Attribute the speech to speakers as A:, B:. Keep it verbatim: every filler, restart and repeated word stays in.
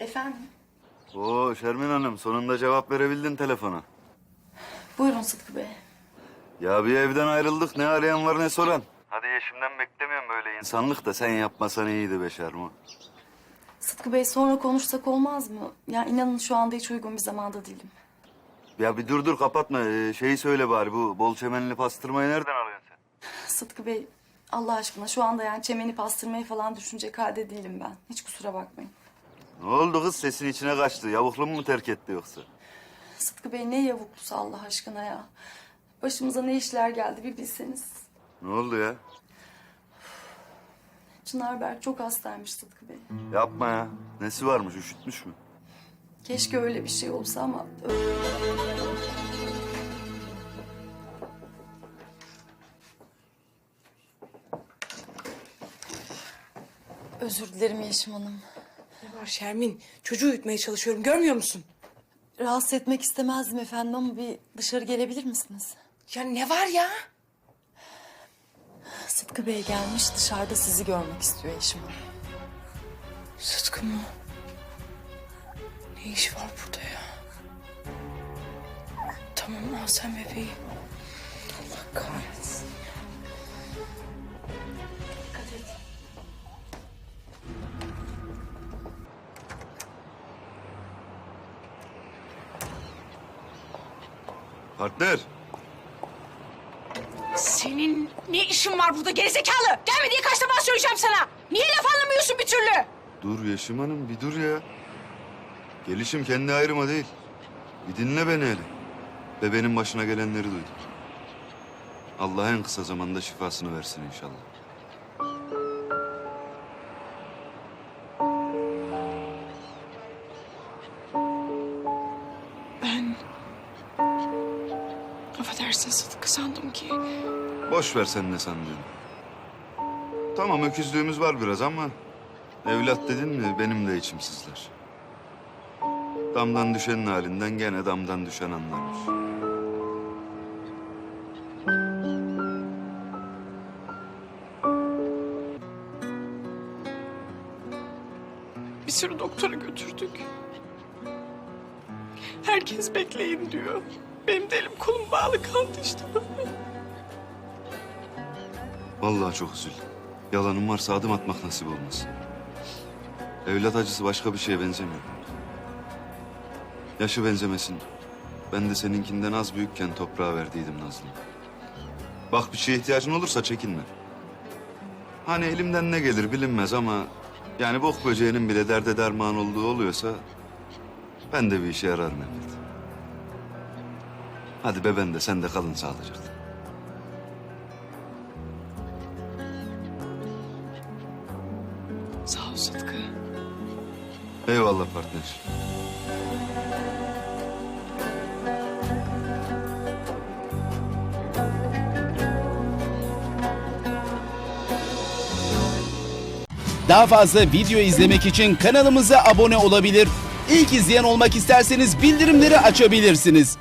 A: Efendim?
B: Oo Şermin Hanım, sonunda cevap verebildin telefona.
A: Buyurun Sıtkı Bey.
B: Ya bir evden ayrıldık, ne arayan var ne soran. Hadi yeşimden beklemiyorum böyle insanlık da sen yapmasan iyiydi be Şermo.
A: Sıtkı Bey sonra konuşsak olmaz mı? Ya inanın şu anda hiç uygun bir zamanda değilim.
B: Ya bir dur dur kapatma, ee, şeyi söyle bari, bu bol çemenli pastırmayı nereden alıyorsun sen?
A: Sıtkı Bey Allah aşkına şu anda yani çemeni pastırmayı falan düşünecek halde değilim ben. Hiç kusura bakmayın.
B: Ne oldu kız, sesin içine kaçtı, yavukluğun mu terk etti yoksa?
A: Sıtkı Bey ne yavuklusu Allah aşkına ya. Başımıza ne işler geldi bir bilseniz.
B: Ne oldu ya?
A: Çınar Berk çok hastaymış Sıtkı Bey.
B: Yapma ya, nesi varmış, üşütmüş mü?
A: Keşke öyle bir şey olsa ama... Özür dilerim Yeşim Hanım.
C: Ne var Şermin? Çocuğu uyutmaya çalışıyorum. Görmüyor musun?
A: Rahatsız etmek istemezdim efendim ama bir dışarı gelebilir misiniz?
C: Ya ne var ya?
A: Sıtkı Bey gelmiş dışarıda sizi görmek istiyor Yeşim Hanım.
C: Sıtkı mı? Ne işi var burada ya? Tamam al sen bebeği. Allah kahretsin.
A: Dikkat et.
B: Partner.
C: Senin ne işin var burada gerizekalı? Gelme diye kaç defa söyleyeceğim sana. Niye laf anlamıyorsun bir türlü?
B: Dur Yeşim Hanım, bir dur ya. Gelişim kendi ayrıma değil. Bir dinle beni hele. Bebeğin başına gelenleri duydum. Allah en kısa zamanda şifasını versin inşallah.
C: Ben... Affedersin Sıtkı sandım ki...
B: Boş ver sen ne sandığını. Tamam öküzlüğümüz var biraz ama... evlat dedin mi benim de içim sızlar. Damdan düşenin halinden gene damdan düşen anlarmış.
C: Bir sürü doktora götürdük. Herkes bekleyin diyor. Benim de elim kolum bağlı kaldı işte.
B: Vallahi çok üzüldüm. Yalanım varsa adım atmak nasip olmasın. Evlat acısı başka bir şeye benzemiyor. Yaşı benzemesin. Ben de seninkinden az büyükken toprağa verdiydim Nazlı. Bak bir şeye ihtiyacın olursa çekinme. Hani elimden ne gelir bilinmez ama... yani bok böceğinin bile derde derman olduğu oluyorsa... ben de bir işe yararım elbet. Hadi be ben de sen de kalın sağlıcakla.
C: Sağ ol Sıtkı.
B: Eyvallah partner.
D: Daha fazla video izlemek için kanalımıza abone olabilir. İlk izleyen olmak isterseniz bildirimleri açabilirsiniz.